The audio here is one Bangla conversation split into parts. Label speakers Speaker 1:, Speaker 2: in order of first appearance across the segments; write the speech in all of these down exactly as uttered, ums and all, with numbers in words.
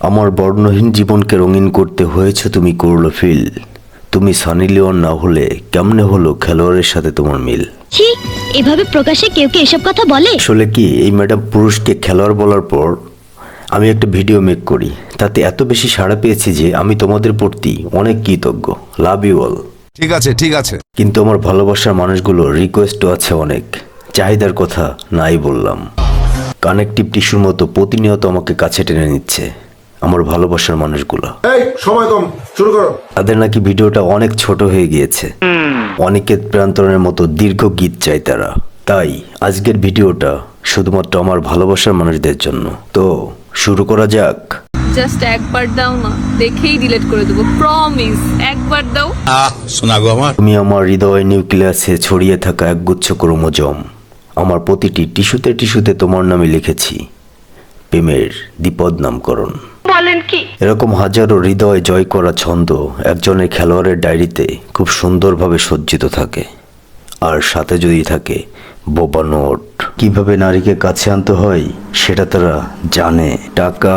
Speaker 1: আমার বর্ণহীন জীবনকে রঙিন করতে হয়েছে তুমি করলো ফিল। তুমি সানি লিওন না হলে কেমনে হলো খেলোয়াড়ের সাথে তোমার মিল?
Speaker 2: ছি, এভাবে প্রকাশ্যে কেউ কি এসব কথা বলে?
Speaker 1: আসলে কি এই ম্যাডাম পুরুষকে খেলোয়াড় বলার পর আমি একটা ভিডিও মেক করি, তাতে এত বেশি সাড়া পেয়েছি যে আমি তোমাদের প্রতি অনেক কৃতজ্ঞ। Love you all.
Speaker 3: ঠিক আছে ঠিক আছে
Speaker 1: কিন্তু আমার ভালোবাসার মানুষগুলো রিকোয়েস্টও আছে অনেক, চাহিদার কথা নাই বললাম। কানেকটিভ টিস্যুর মতো প্রতিনিয়ত আমাকে কাছে টেনে নিচ্ছে আমার ভালোবাসার মানুষগুলো।
Speaker 4: এই সময় কম, শুরু করো।
Speaker 1: তাদের নাকি ভিডিওটা অনেক ছোট হয়ে গিয়েছে, অনিকেত প্রান্তরের মতো দীর্ঘ গীত চাই তারা। তাই আজকের ভিডিওটা শুধুমাত্র আমার ভালোবাসার মানুষদের জন্য। তো শুরু করা যাক।
Speaker 5: জাস্ট একবার দাও না, দেখেই ডিলিট করে দেবো, প্রমিস। একবার দাও।
Speaker 3: আহ শোনা গো আমার
Speaker 1: তুমি আমার হৃদয় নিউক্লিয়াসে ছড়িয়ে থাকা একগুচ্ছ ক্রোমোজোম। আমার প্রতিটি টিস্যুতে টিস্যুতে তোমার নামে লিখেছি প্রেমের দ্বিপদ নামকরণ।
Speaker 5: বলেন কি?
Speaker 1: এরকম হাজারো হৃদয় জয় করা ছন্দ একজনের খেলোয়াড়ের ডায়েরিতে খুব সুন্দরভাবে সজ্জিত থাকে। আর সাথে যদি থাকে বোবা নোট। কিভাবে নারীকে কাছে আনতে হয় সেটা তারা জানে। টাকা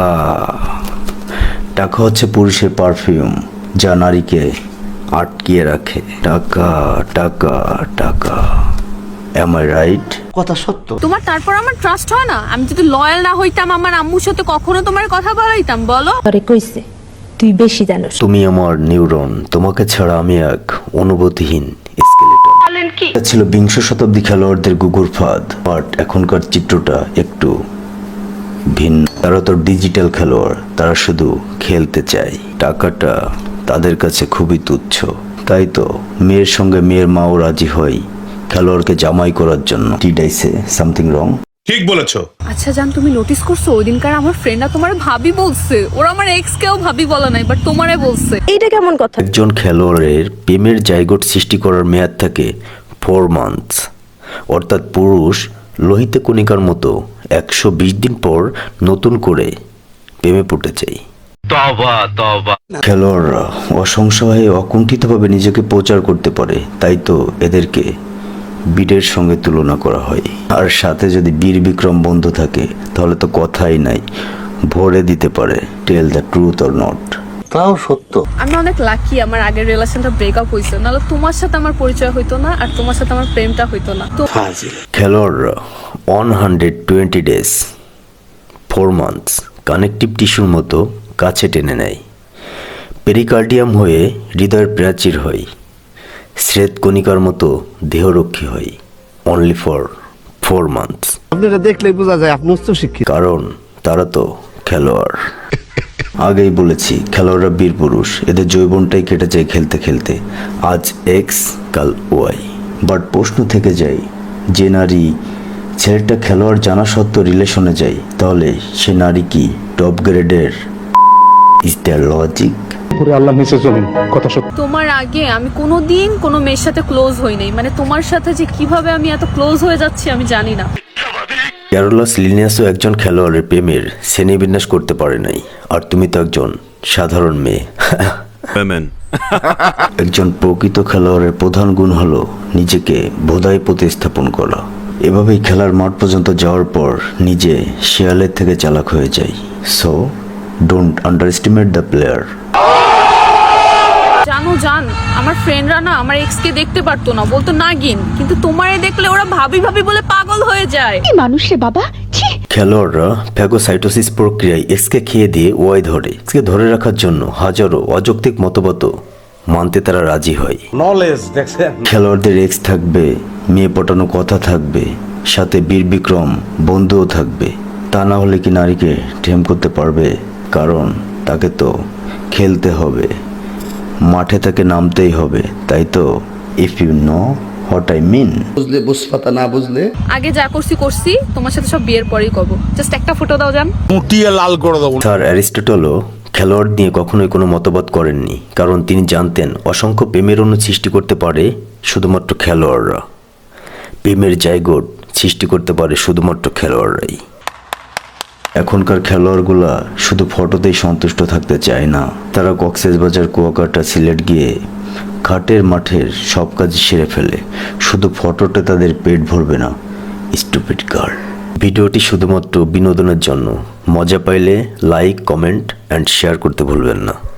Speaker 1: টাকা হচ্ছে পুরুষের পারফিউম, যা নারীকে আটকিয়ে রাখে। টাকা টাকা টাকা। Am I right?
Speaker 5: তোমার তারপর আমার ট্রাস্ট হয় না? আমি যদি লয়াল না হইতাম আমার আম্মুর সাথে কখনো তোমার কথা বলাইতাম? বলো।
Speaker 6: আরে কইছে তুই বেশি জানোস।
Speaker 1: তুমি আমার নিউরন, তোমাকে ছাড়া আমি এক অনুভূতিহীন স্কেলেটন।
Speaker 5: বলেন কি?
Speaker 1: এটা ছিল বিংশ শতাব্দী খেলোয়াড়দের গুগুর ফাঁদ, বাট এখনকার চিত্রটা একটু ভিন্ন। তারা তো ডিজিটাল খেলোয়াড়, তারা শুধু খেলতে চায়। টাকাটা তাদের কাছে খুবই তুচ্ছ। তাই তো মেয়ের সঙ্গে মেয়ের মাও রাজি হয় খেলোয়াড়কে জামাই করার জন্য। Did I say something wrong?
Speaker 3: ঠিক বলেছো।
Speaker 5: আচ্ছা জান, তুমি নোটিস করছো ওই দিনকার আমার ফ্রেন্ডরা তোমার ভাবি বলছে? ওরা আমার এক্স কেও ভাবি বলা নাই, বাট তোমারে বলছে।
Speaker 6: এইটা কেমন কথা?
Speaker 1: একজন খেলোয়াড়ের প্রেমের জায়গোট সৃষ্টি করার মেয়াদ থাকে ফোর মান্থস, অর্থাৎ পুরুষ লোহিত কণিকার মতো একশো বিশ দিন পর নতুন করে প্রেমে পড়তে চাই। খেলোয়াড়রা অসংশয়ে অকুণ্ঠিতভাবে নিজেকে প্রচার করতে পারে, তাই তো এদেরকে বীরের সঙ্গে তুলনা করা হয়। আর সাথে যদি বীর বিক্রম বন্ধু থাকে তাহলে তো কথাই নাই, ভরে দিতে পারে tell the truth or not.
Speaker 4: তাও সত্য।
Speaker 5: আমি অনেক লাকি আমার আগের রিলেশনটা ব্রেকআপ হয়েছে, নাহলে তোমার সাথে আমার পরিচয় হইতো না, আর তোমার সাথে আমার প্রেমটা হইতো না। তো
Speaker 1: খেলোয়াড়রা one hundred twenty days four months connective টিস্যুর মতো কাছে টেনে নেয়। পেরিকার্ডিয়াম হয়ে হৃদয়ের প্রাচীর হয়, শ্বেত কণিকার মতো দেহরক্ষী হয়। Only for four months.
Speaker 7: আপনারা দেখলেই বোঝা যায় আপনি উচ্চ শিক্ষিত।
Speaker 1: কারণ তারা তো খেলোয়াড়। আগেই বলেছি খেলোয়াড়রা বীর পুরুষ, এদের যৌবনটাই কেটে যায় খেলতে খেলতে। আজ এক্স কাল ওয়াই। বাট প্রশ্ন থেকে যায়, যে নারী ছেলেটা খেলোয়াড় জানা সত্ত্বেও রিলেশনে যায়, তাহলে সে নারী কি টপ গ্রেডের? Is there logic?
Speaker 5: তোমার আগে আমি কোনোদিন কোনো মেয়ের সাথে ক্লোজ হই নাই, মানে তোমার সাথে যে কিভাবে আমি এত ক্লোজ হয়ে যাচ্ছি আমি জানি না।
Speaker 1: ক্যারোলাস লিনিয়াসও একজন খেলোয়াড়ের প্রেমের শ্রেণীবিন্যাস করতে পারে নাই, আর তুমি তো একজন সাধারণ মেয়ে। একজন প্রকৃত খেলোয়াড়ের প্রধান গুণ হলো নিজেকে বোধায় প্রতিস্থাপন করা। এভাবেই খেলার মাঠ পর্যন্ত যাওয়ার পর নিজে শিয়ালের থেকে চালাক হয়ে যায়। So don't underestimate the player.
Speaker 5: জানো জান, আমার ফ্রেন্ডরা না আমার এক্স কে দেখতে পারতো না, বলতো নাগিন, কিন্তু তোমারে দেখলে ওরা ভাবি ভাবি বলে পাগল হয়ে যায়।
Speaker 2: কি মানুষ রে বাবা, ছি।
Speaker 1: খেলোয়াড়রা ফ্যাগোসাইটোসিস প্রক্রিয়ায় এক্সকে খেয়ে দিয়ে ওয়াই ধরে। এক্সকে ধরে রাখার জন্য হাজারো অযৌক্তিক মতবাদ মানতে তারা রাজি হয়।
Speaker 7: নলেজ দেখছেন?
Speaker 1: খেলোয়াড়দের এক্স থাকবে, মেয়ে পটানো কথা থাকবে, সাথে বীর বিক্রম বন্ধুও থাকবে। তা না হলে কি নারীকে ঠেম করতে পারবে? কারণ তাকে তো খেলতে হবে, মাঠে তাকে নামতেই হবে। তাই তো if you know what I mean.
Speaker 7: বুঝলে বুঝপাতা, না বুঝলে
Speaker 5: আগে যা করছি করছি, তোমার সাথে সব বিয়ের পরেই কব। জাস্ট একটা ফটো দাও জান।
Speaker 3: মুটিয়ে লাল করে দেবো।
Speaker 1: স্যার অ্যারিস্টটলও খেলোয়াড় নিয়ে কখনোই কোনো মতবাদ করেননি, কারণ তিনি জানতেন অসংখ্য প্রেমের অণু সৃষ্টি করতে পারে শুধুমাত্র খেলোয়াড়রা। প্রেমের জায়গোট সৃষ্টি করতে পারে শুধুমাত্র খেলোয়াড়রাই। এখনকার খেলোয়াড়গুলা শুধু ফটোতেই সন্তুষ্ট থাকতে চায় না, তারা কক্সবাজার, কুয়াকাটা, সিলেট গিয়ে ঘাটের মাঠের সব কাজ সেরে ফেলে। শুধু ফটোতে তাদের পেট ভরবে না। Stupid girl. ভিডিওটি শুধুমাত্র বিনোদনের জন্য। মজা পাইলে লাইক, কমেন্ট অ্যান্ড শেয়ার করতে ভুলবেন না।